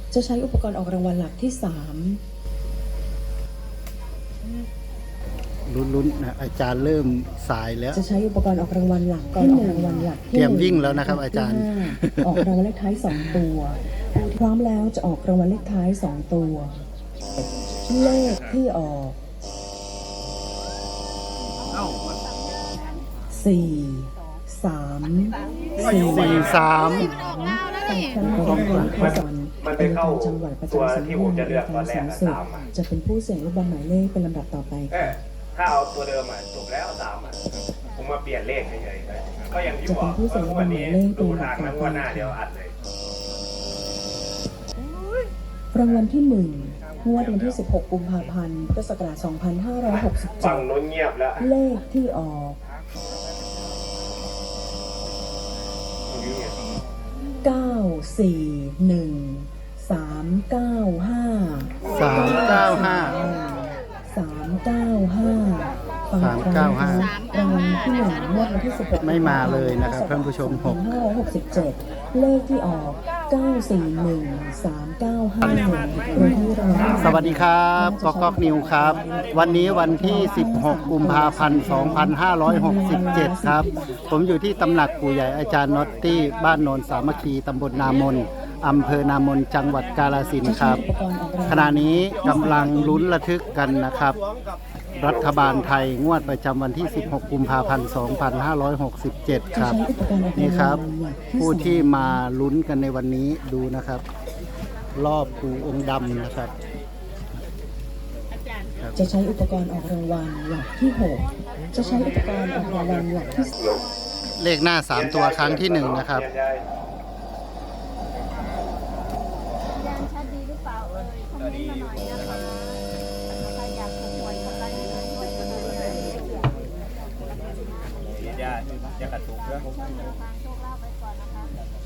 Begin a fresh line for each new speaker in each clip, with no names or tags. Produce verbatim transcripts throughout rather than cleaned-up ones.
จะใช้อุปกรณ์ออกรางวัลหลักที่สาม
ลุ้นๆนะอาจารย์เริ่มสายแล้ว
จะใช้อุปกรณ์ออกรางวัลหลักที่หนึ่งรางวัลหลักที่
เตรียมวิ่งแล้วนะครับอาจารย์
ออกรางวัลเลขท้ายสองตัวพร้อมแล้วจะออกรางวัลเลขท้ายสองตัวเลขที่ออกสี่สามสี่
สี่สาม
ไปครั้งของการขอสอนเป็นการจังหวัดประจำสังกัดในการสูงสุดจะเป็นผู้เสี่ยงลูกบอลหมายเลขเป็นลำดับต่อไป
เออถ้าเอาตัวเดิมอ่ะจบแล้วสามอ่ะผมมาเปลี่ยนเลขเฉยๆก็อย่างที่บอกว่าวันนี้ดูทางนั้นว่าหน้าเดียวอัดเลย
รางวัลที่หนึ่งงวดวันที่สิบหกกุมภาพันธ์พุทธศักราชสองพันห้าร้อยหกสิบเจ็
ฝั่
ด
งโน้นเงียบแล้ว
เลขที่ออกเก้าสี่หนึ่งสามเก้าห้า
สามเก้าห้า
สามเก้าห้า
สามเก้าห้าร
างวัลที่หนึ่งงวดวันที่สิบหก
ไม่มาเลยนะครับท่านผู้ชมหก
ห้าร้อยหกสิบเจ็ดเลขที่ออกเก้าสี่หนึ่งสามเก้าห้าโดยที่รางวัล
สวัสดีครับก๊อกก๊อกนิวครับ วันนี้วันที่ สิบหก กุมภาพันธ์ สองพันห้าร้อยหกสิบเจ็ด ครับ ผมอยู่ที่ตำหนักปู่ใหญ่อาจารย์น็อตตี้บ้านโนนสามัคคีตำบลนามนอำเภอนามนจังหวัดกาฬสินธุ์ครับ ขณะนี้กำลังลุ้นระทึกกันนะครับ รัฐบาลไทยงวดประจำวันที่ สิบหก กุมภาพันธ์ สองพันห้าร้อยหกสิบเจ็ด ครับ นี่ครับ ผู้ที่มาลุ้นกันในวันนี้ดูนะครับ รอบปู่องค์ดำนะครับ
จะใช้อุปกรณ์ออกรางวัลหลักที่หกจะใช้อุปกรณ์ออกรางวัลหลักที่
เลขหน้าสามตัวครั้งที่หนึ่งนะครับ
ยันชัดดีหรือเปล่าเอ่ยคอมเมนต์มาหน่อยนะคะใครอยากถูกหวยกำลังอยู่ในช่วยกันเลย
อย่าอย่ากระตุกนะ
ช่วยทางโชคลาภไว้ก่อนนะคะ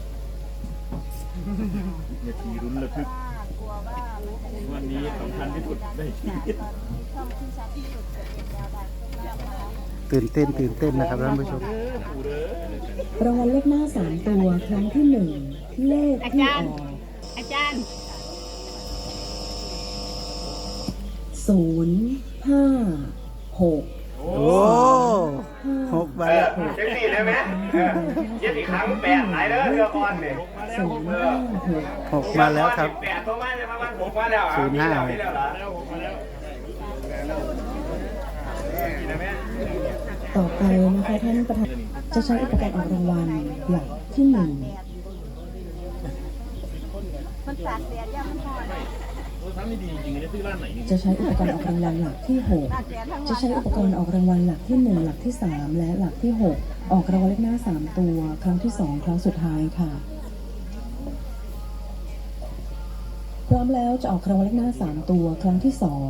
อย่าทีรุนระทึก
ถ้ากลัวว่ามันจะเป็น
วันนี้สำคัญที่สุดได้ชีวิต
ตอนนี้ช่องที่ชัดที่สุดจะเป็นแนวทางโชคลาภนะคะ
ตื่นเต้นตื่นเต้นนะครับท่านผู้ชม
รางวัลเลขหน้าสามตัวครั้งที่หนึ่งเลขที่ออก
อาจารย์
ศูนย์ห้าหก
โอ้หกใบ
เออ
แล้ว
เช็คสี่ได้ไหมเออเย็บอีกครั้งแปดหลายเด้อเรือก่อนเนี่ย
ศูนย์ห้าหก
หกมาแล้วครับ
แปดตัวมาเลยประมาณหกมาแล้ว
ศูนย์ห้า
มีแล้วเหรอ
ต่อไปนะคะท่านประธานจะใช้อุปกรณ์ออกรางวัลหลักที่หนึ่ง
มันตากแดดย่ามันหอน
ถ้าไม่ดีจริงๆจะซื้อร้านไหนนี่
จะใช้อุปกรณ์ออกรางวัลหลักที่หก
ตากแดดทั้งวัน
จะใช้อุปกรณ์ออกรางวัลหลักที่หนึ่งหลักที่สามและหลักที่หกออกรางวัลเลขหน้าสามตัวครั้งที่สองครั้งสุดท้ายค่ะพร้อมแล้วจะออกรางวัลเลขหน้าสามตัวครั้งที่สอง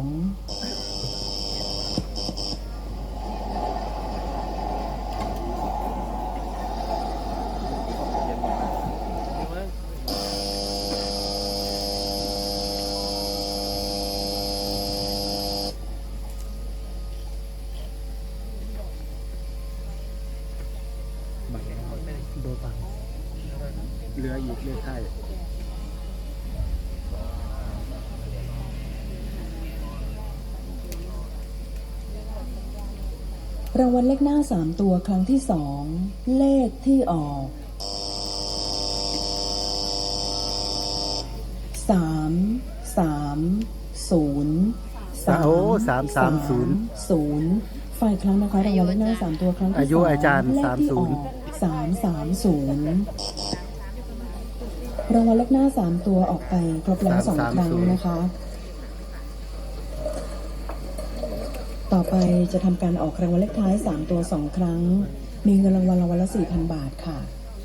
โดบังเรืออีกเลขไทย
รางวัลเลขหน้าสามตัวครั้งที่สองเลขที่ออกสามสามศูนย์
โอ้สามสามศูนย์
ศูนย์ฝ่ายครั้งนะคะรางวัลเลขหน้าสามตัวครั้งที่
อายุอาจารย์
เลขที่ออก
สามสิบ
สามสามศูนย์รางวัลเลขหน้าสามตัวออกไปครบแล้วสองครั้งนะคะ ต่อไปจะทำการออกรางวัลเลขท้ายสามตัวสองครั้ง มีเงินรางวัลรางวัลละ สี่พัน บาทค่ะ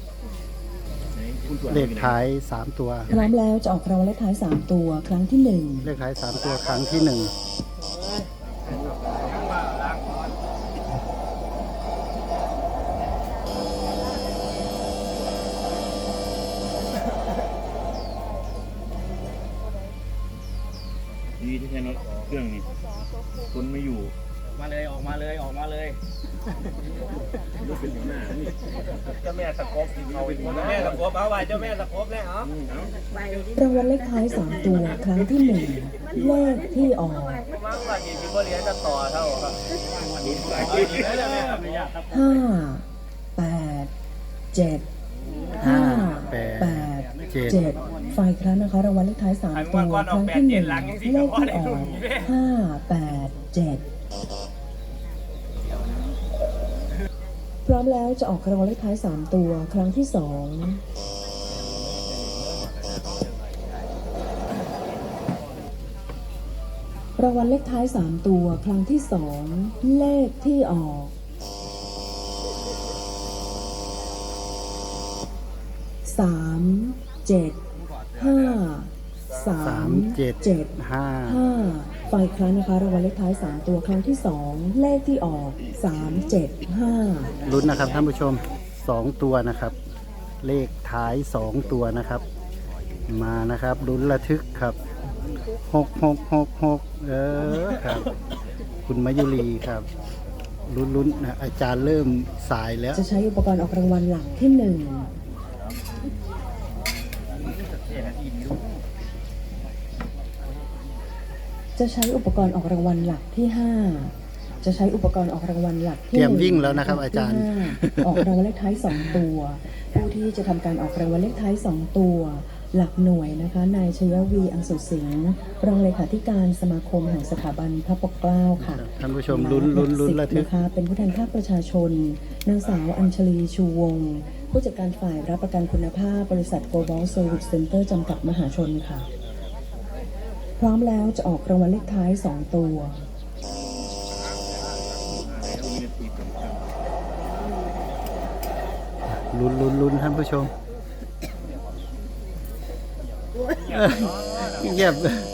เลขท้ายสามตัว
พร้อมแล้วจะออกรางวัลเลขท้ายสามตัวครั้งที่หนึ่ง
เลขท้ายสามตัวครั้งที่หนึ่ง
ดีที่ใช้น็อตเครื่องนี้คนไม่อยู่
มาเลยออกมาเลยออกมาเลยเจ้าแม่ตะกบเอาอีกคนแม่ตะกบเอาไว้เจ้าแม่ตะกบแล้วเหรอ
รางวัลเลขท้ายสามตัวครั้งที่หนึ่งเลขที่ออก
มาว่าดีที่บ่เรียนจะต่อเท่าครับ
ห้าแปดเจ็ดห้าแปดเจ็ดไฟครั้งนะคะรางวัลเลขท้ายสามตัวครั้งที่หนึ่งเลขที่ออกห้าแปดเจ็ดพร้อมแล้วจะออกรางวัลเลขท้ายสามตัวครั้งที่สองรางวัลเลขท้ายสามตัวครั้งที่สองเลขที่ออกสามเจ็ดห้าสามเจ็ดเจ็ดห้าห้าไฟครั้งนะคะรางวัลเลขท้ายสามตัวครั้งที่สองเลขที่ออกสามเจ็ดห้า
ลุ้นนะครับท่านผู้ชมสองตัวนะครับ เลขท้ายสองตัวนะครับ มานะครับลุ้นระทึกครับหกหกหกหกเออครับคุณมายุรีครับลุ้นลุ้นนะอาจารย์เริ่มสายแล้ว
จะใช้อุปกรณ์ออกรางวัลหลักที่หนึ่งจะใช้อุปกรณ์ออกรางวัลหลักที่ห้าจะใช้อุปกรณ์ออกรางวัลหลักที่
เตรียมวิ่งแล้วนะครับอาจารย์
ออกรางวัลเลขท้ายสองตัวผู้ที่จะทำการออกรางวัลเลขท้ายสองตัวหลักหน่วยนะคะนายชยวีอังสุสิงห์รองเลขาธิการสมาคมแห่งสถาบันพระปกเกล้าค่ะ
ท่านผู้ชมลุ้นลุ้นลุ้นระทึก
นะคะเป็นผู้แทนภาคประชาชนนางสาวอัญชลีชูวงศ์ผู้จัดการฝ่ายรับประกันคุณภาพบริษัท Global Service Center จำกัดมหาชนค่ะพร้อมแล้วจะออกรางวัลเลขท้ายสองตัว
ลุ้นลุ้นลุ้นท่านผู้ชมเงียบ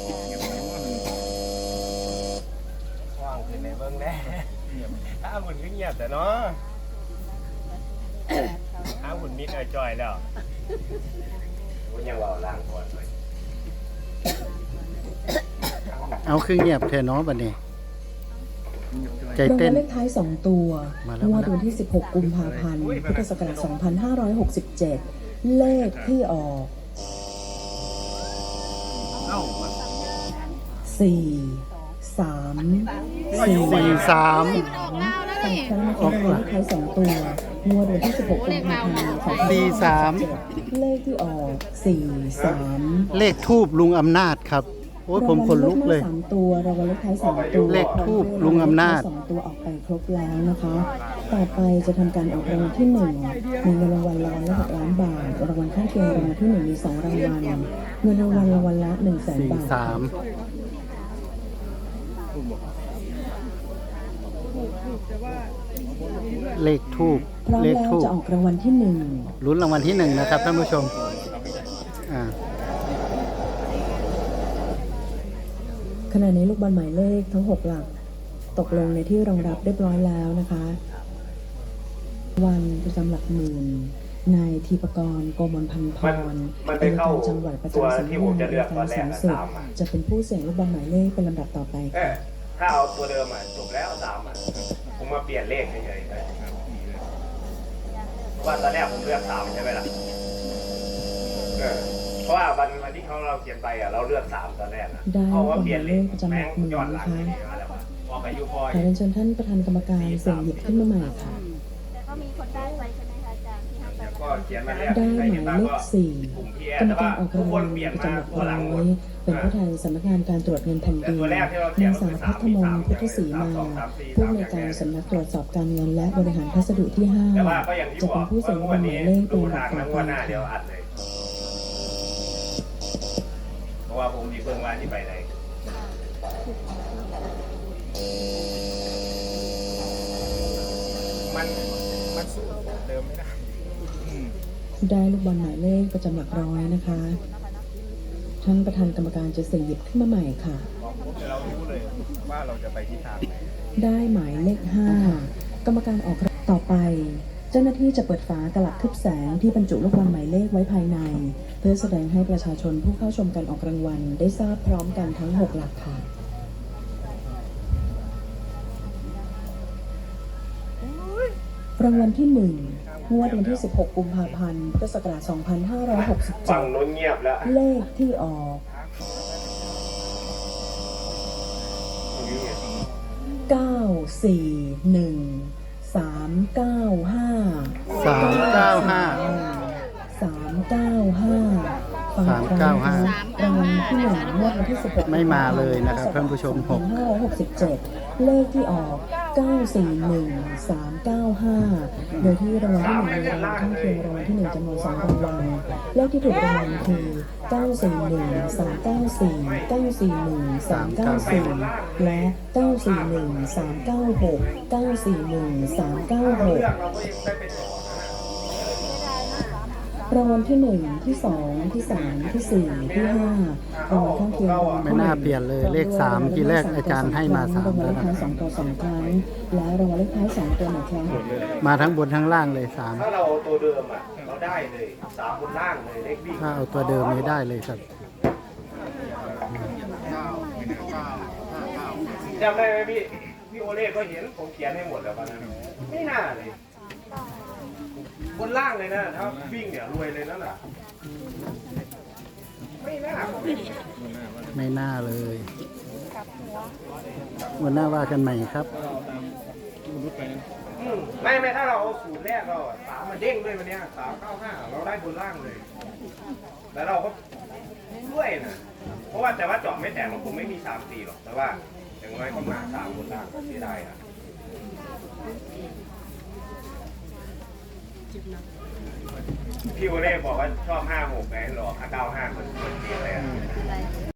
ว่างขึ้นในเบิ้งแน่ถ้าหุ่นก็เงียบแต่เนาะถ้าหุ่นมิดไอจอยแล้วหุ่นยังว่าล้างก่อนเลย
เอาคือเงียบแทนน้องบัดนี้ใจเต้น
รางวัลเลขท้ายสองตัวงวดวันที่สิบหกกุมภาพันธ์พุทธศักราชสองพันห้าร้อยหกสิบเจ็ดเลขที่ออกสี่สามสี่
สาม
สามครั้งนะคะรางวัลเลขท้ายสองตัวงวดวันที่สิบหกกุมภาพันธ์สองพันห้าร้อยหกสิบเจ็ด
สี่สาม
เลขที่ออกสี่สาม
เลขทูบลุงอำนาจครับโอ้ยผมขนลุกเลย
สามตัวรางวัลเลขท้ายสามตัว
เลขทูบลุงอำนาจ
สองตัวออกไปครบแล้วนะคะต่อไปจะทำการออกรางวัลที่หนึ่งมีเงินรางวัลรางวัลละหกล้านบาทรางวัลข้างเคียงรางวัลที่หนึ่งมีสองรางวัลเงินรางวัลรางวัลละหนึ่งแสนบาท
สามเลขทูบ
พร้อมแล้วจะออกรางวัลที่หนึ่ง
ลุ้นรางวัลที่หนึ่งนะครับท่านผู้ชมอ่า
ขณะนี้ลูกบอลหมายเลขทั้งหกหลักตกลงในที่รองรับเรียบร้อยแล้วนะคะวันประจำหลักหมื่นนายธีปกรณ์โกมลพันธ์พร
เป็นการ
จังหวัดประจำสำนักงานการสูงสุดจะเป็นผู้เสี่ยงลูกบอลหมายเลขเป็นลำดับต่อไปค่ะ
ถ้าเอาตัวเดิมอ่ะจบแล้วสามอ่ะผมมาเปลี่ยนเลขเฉยๆว่าตอนแรกผมเลือกสามใช่ไหมล่ะเพราะว่าวันวันที่เขาเราเขียนไปอ่ะเราเลือกสามตอนแรกอ่ะเพราะว่าเปลี่ยนเลขแม่งย้อนหลังนี่มาแล้วพอไปยูพอย
ขอเรียนเชิญท่านประธานกรรมการเสี่ยงหยิบขึ้นมาใหม่ค่ะ
แต่ก็มีคนได้ไปใช่ไหมคะอาจารย์ที่ให้ไป
ก็เขียนมาแล้ว
ได้หมายเลขสี่กรรมการออกรางวัลประจำหลักร้อยเป็นผู้แทนสำนักงานการตรวจเงินแผ่นดินนางสาวพัฒมนพุทธศรีมาผู้อำนวยการสำนักตรวจสอบการเงินและบริหารพัสดุที่ห้าจะเป็นผู้เสี่ยงลูกบอลหมายเลขเป็นลำดับต่อไปค่ะ
เพราะว่าผมมีเพิ่งว่าที่ไปไหนมันมันสู้เดิมไม่ได้
ได้ลูกบอลหมายเลขประจำหลักร้อยนะคะท่านประธานกรรมการจะเสี่ยงหยิบขึ้นมาใหม่ค่ะ
เรารู้เลยว่าเราจะไปที่ทางไหน
ได้หมายเลขห้ากรรมการออกต่อไปเจ้าหน้าที่จะเปิดฝากระลักทึบแสงที่บรรจุลูกบอลหมายเลขไว้ภายในเพื่อแสดงให้ประชาชนผู้เข้าชมการออกรางวัลได้ทราบพร้อมกันทั้งหกหลักค่ะรางวัลที่หนึ่งงวดวันที่สิบหกกุมภาพันธ์พุทธศักราชสองพันห้าร้อยหกสิบเจ็
ฝั่
ด
งโน้นเงียบแล้ว
เลขที่ออก เก้า สี่ หนึ่ง สาม เก้า ห้า
สามเก้าห้า
สามเก้าห้า
สามเก้าห้า
รางวัลที่หนึ่งงวดวันที่สิบหก
ไม่มาเลยนะครับท่านผู้ชมหก
ห้าร้อยหกสิบเจ็ดเลขที่ออก เก้า สี่ หนึ่ง สาม เก้า ห้า โดยที่รางวัลที่หนึ่งมีรางวัลข้างเคียงรางวัลที่หนึ่งจำนวนสองรางวัลเลขที่ถูกรางวัลคือ เก้า สี่ หนึ่ง สาม เก้า สี่ เก้า สี่ หนึ่ง สาม เก้า สี่ และ เก้า สี่ หนึ่ง สาม เก้า หก เก้า สี่ หนึ่ง สาม เก้า หก
เรื่องเราก็ยังได้ไปต่อนะ
รางวัลที่หนึ่งที่สองที่สามที่สี่ที่ห้ารางวัลข้างเคียงรางวัล
ไม่น่าเปลี่ยนเลยเลขสามที่แรกอาจารย์ให้มาสาม
รางวัล
แล้ว
เลข
นะ
ท้ายสองตัวสองครั้งและรางวัลเลขท้ายสองตัวหนึ่งครั้ง
มาทั้งบนทั้งล่างเลยสาม
ถ้าเราเอาตัวเดิมอ่ะเราได้เลยสามบนล่างเลยเลขวิ่ง
ถ้าเอาตัวเดิมไม่ได้เลยครับ
จำได้ไหมพี่พี่โอเล่ก็เห็นผมเขียนให้หมดแล้ววันนั้นไม่น่าเลยบนล่างเลยนะถ้าวิ่งเนี่ยรวยเลยนั่นแหละไม่น่า
ไม่น่าเลยวันหน้าว่ากันใหม่ครับ
อืมไม่ไม่ถ้าเราเอาสูตรแรกเราอะสามมาเด้งด้วยวันเนี้ยสามเก้าห้าเราได้บนล่างเลย แล้วเราก็ด้วยนะเพราะว่าแต่ว่าเจาะไม่แตกมันคงไม่มีสามสี่หรอกแต่ว่าอย่างน้อยก็มาสามบนล่างก็เสียดายนะพี่โอเล่บอกว่าชอบห้าหกไงหรอห้าเก้าห้าคนคนเดียวเลยอะ